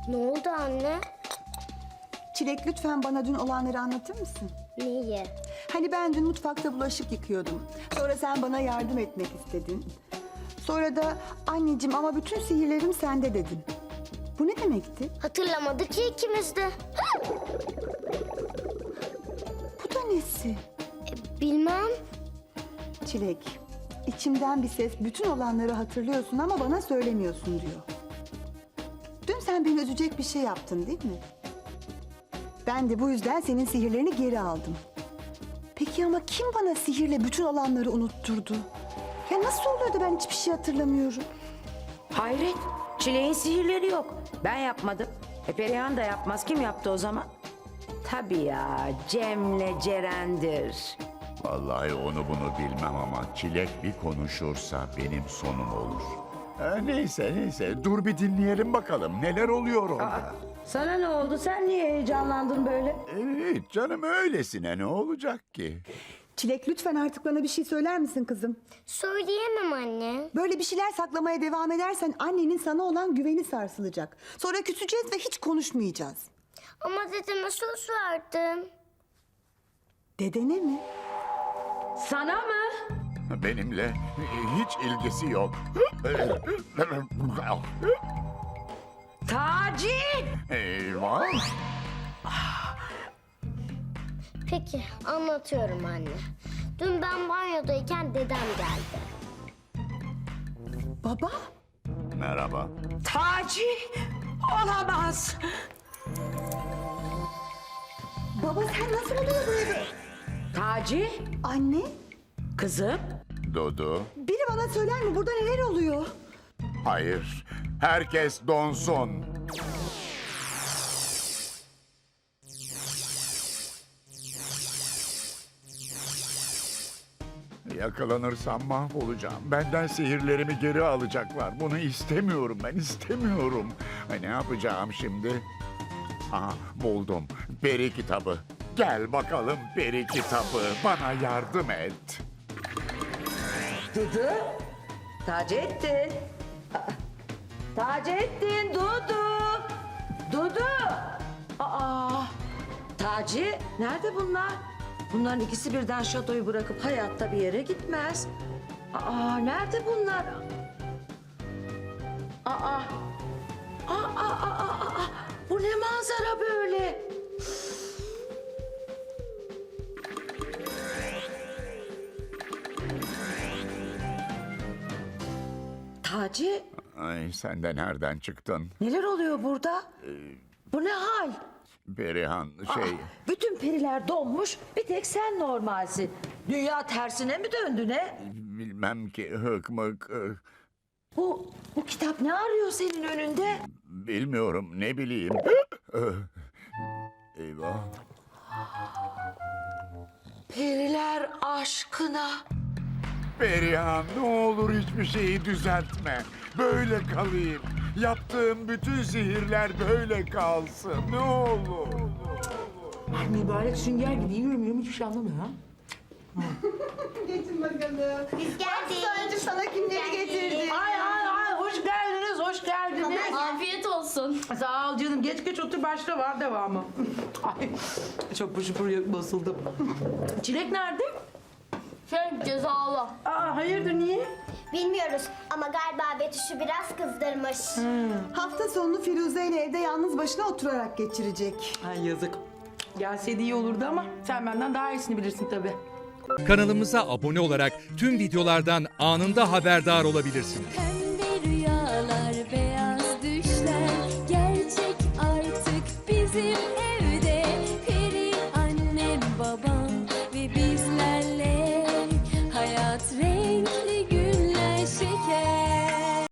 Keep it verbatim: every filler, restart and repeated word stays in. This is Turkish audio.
Ne oldu anne? Çilek, lütfen bana dün olanları anlatır mısın? Neyi? Hani ben dün mutfakta bulaşık yıkıyordum. Sonra sen bana yardım etmek istedin. Sonra da anneciğim ama bütün sihirlerim sende dedin. Bu ne demekti? Hatırlamadık ki ikimiz de. Bu da nesi? E, bilmem. Çilek, içimden bir ses bütün olanları hatırlıyorsun ama bana söylemiyorsun diyor. Dün sen beni üzecek bir şey yaptın değil mi? Ben de bu yüzden senin sihirlerini geri aldım. Peki ama kim bana sihirle bütün olanları unutturdu? Ya nasıl oluyor da ben hiçbir şey hatırlamıyorum? Hayret, Çilek'in sihirleri yok. Ben yapmadım. E Perihan da yapmaz. Kim yaptı o zaman? Tabii ya, Cem'le Ceren'dir. Vallahi onu bunu bilmem ama Çilek bir konuşursa benim sonum olur. Ee, neyse neyse dur bir dinleyelim bakalım neler oluyor orada. Sana ne oldu? Sen niye heyecanlandın böyle? Evet canım öylesine ne olacak ki? Çilek, lütfen artık bana bir şey söyler misin kızım? Söyleyemem anne. Böyle bir şeyler saklamaya devam edersen annenin sana olan güveni sarsılacak. Sonra küseceğiz ve hiç konuşmayacağız. Ama dedeme söz verdim. Dedene mi? Sana mı? Benimle e, hiç ilgisi yok. Taci! Eyvah. Peki anlatıyorum anne. Dün ben banyodayken dedem geldi. Baba? Merhaba. Taci! Olamaz! Baba sen nasıl oluyor bu eve? Taci! Anne? Kızım! Dudu. Biri bana söyler mi? Burada neler oluyor? Hayır. Herkes donsun. Yakalanırsam mahvolacağım. Benden sihirlerimi geri alacaklar. Bunu istemiyorum ben istemiyorum. Ay, ne yapacağım şimdi? Aha buldum. Peri kitabı. Gel bakalım peri kitabı. Bana yardım et. Dudu! Taceddin! Aa, Taceddin, Dudu! Dudu! Aa! Taci, nerede bunlar? Bunların ikisi birden şatoyu bırakıp hayatta bir yere gitmez. Aa, nerede bunlar? Aa! Aa, aa, aa, aa, aa. Bu ne manzara böyle? Taci, Ay sen de nereden çıktın? neler oluyor burada? Bu ne hal? Perihan şey... Ah, bütün periler donmuş, bir tek sen normalsin. Dünya tersine mi döndü ne? Bilmem ki hıkmık... ıh, Bu, bu kitap ne arıyor senin önünde? Bilmiyorum ne bileyim. Ih, Eyvah. Periler aşkına. Perihan ne olur hiçbir şeyi düzeltme. Böyle kalayım. Yaptığım bütün sihirler böyle kalsın. Ne olur. Mübarek sünger gibi yiyorum yiyorum hiçbir şey anlamıyor ha. Getir bakalım. Biz geldik. Söyleyeceğim sana kimleri getirdi. Ay ay ay hoş geldiniz hoş geldiniz. Afiyet olsun. Sağ ol canım geç geç otur başla var devamı. Ay çok pışır pır basıldım. Çilek nerede? Şey cezalı. Aa hayırdır niye? Bilmiyoruz ama galiba Betüş'ü biraz kızdırmış. Hafta sonunu Firuze ile evde yalnız başına oturarak geçirecek. Ay yazık. Gelseydi iyi olurdu ama sen benden daha iyisini bilirsin tabii. Kanalımıza abone olarak tüm videolardan anında haberdar olabilirsiniz. Hem